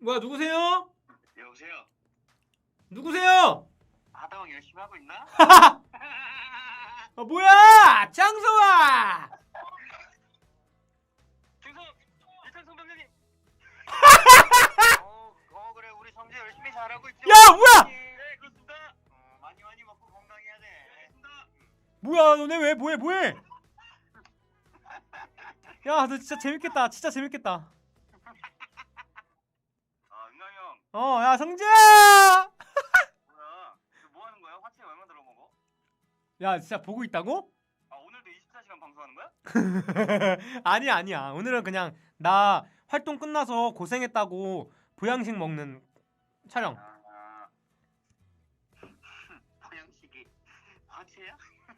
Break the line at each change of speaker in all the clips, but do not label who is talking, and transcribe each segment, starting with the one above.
뭐야 누구세요?
여보세요?
누구세요?
하다왕 열심히 하고 있나?
뭐야 장소아.
중성! 이창성 병장님! 그래 우리 성재 열심히 잘하고 있죠?
야 뭐야
네 그렇습니다. 많이 먹고 건강해야 돼. 알겠습니다.
뭐야 너네 왜 뭐해 야 너 진짜 재밌겠다 진짜 재밌겠다.
은광이 형
야 성재야.
뭐야? 뭐 하는 거야? 화채 얼마 들어먹어?
야 진짜 보고 있다고?
오늘도 24시간 방송하는 거야?
아니야 오늘은 그냥 나 활동 끝나서 고생했다고 보양식 먹는 촬영.
보양식이 화채야?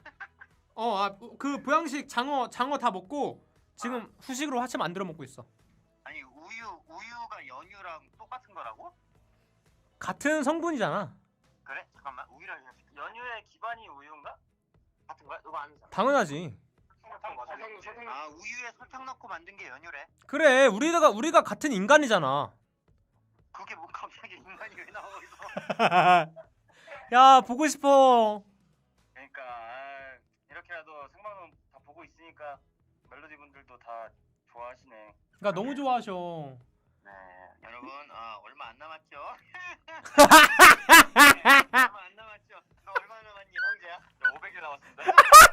그 보양식 장어 다 먹고 지금 후식으로 화채 만들어 먹고 있어.
아니 우유가 연유랑 똑같은 거라고?
같은 성분이잖아.
그래? 잠깐만 우유랑 연유의 기반이 우유인가? 같은 거야? 너가 아는 사람?
당연하지.
우유에 설탕 넣고 만든 게 연유래.
그래 우리가 같은 인간이잖아.
그게 뭐 갑자기 인간이 왜 나와 있어?
야 보고 싶어.
그러니까 이렇게라도 생방송 다 보고 있으니까 멜로디 분들도 다 좋아하시네.
그러니까 너무 좋아하셔.
네 여러분 얼마 안 남았죠? 얼마 안 남았죠? 얼마 남았니 형제야? 500일 남았습니다.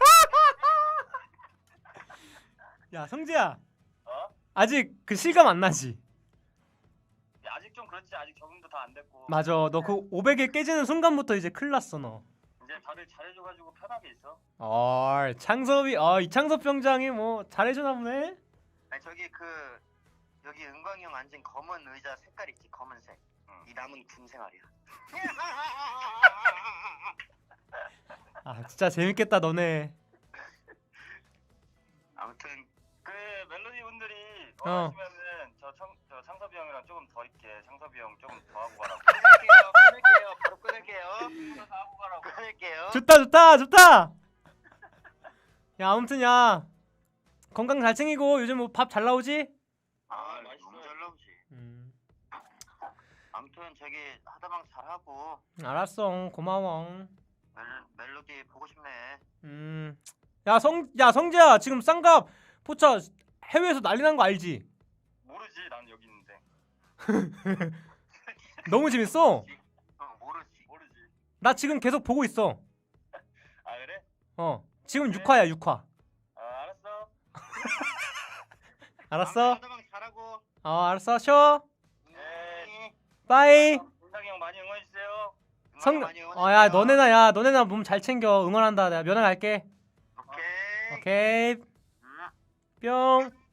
야 성재야
어?
아직 그 실감 안 나지?
야, 아직 좀 그렇지. 아직 적응도 다 안 됐고.
맞아 너 그 500일 깨지는 순간부터 이제 큰일 났어 너.
이제 다들 잘해줘가지고 편하게 있어.
창섭이 이창섭 병장이 뭐 잘해주나 보네.
아니 저기 여기 은광이 형 앉은 검은 의자 색깔 있지 검은색. 이 남은 군 생활이야.
진짜 재밌겠다 너네.
아무튼 그 멜로디 분들이 원하시면은 저 창섭이 형이랑 조금 더 있게 창섭이 형 조금 더 하고 가라고. 끊을게요. 바로 끊을게요. 더 하고 가라고. 끊을게요.
좋다. 야 아무튼 야 건강 잘 챙기고 요즘 뭐 밥 잘 나오지?
맛있어. 너무 잘 나오지. 아무튼 저기 하다방 잘하고.
알았어 고마워.
멜로디 보고 싶네.
야 성재야 지금 쌍갑 포차 해외에서 난리 난 거 알지?
모르지. 난 여기 있는데.
너무 재밌어.
모르지.
나 지금 계속 보고 있어.
그래?
지금 6화야 6화.
알았어.
알았어?
하다방 잘하고.
알았어 쉬어.
네.
빠이.
은상이 형 많이 응원해주세요.
야 너네나 몸 잘 챙겨. 응원한다. 내가 면회 갈게.
오케이.
뿅.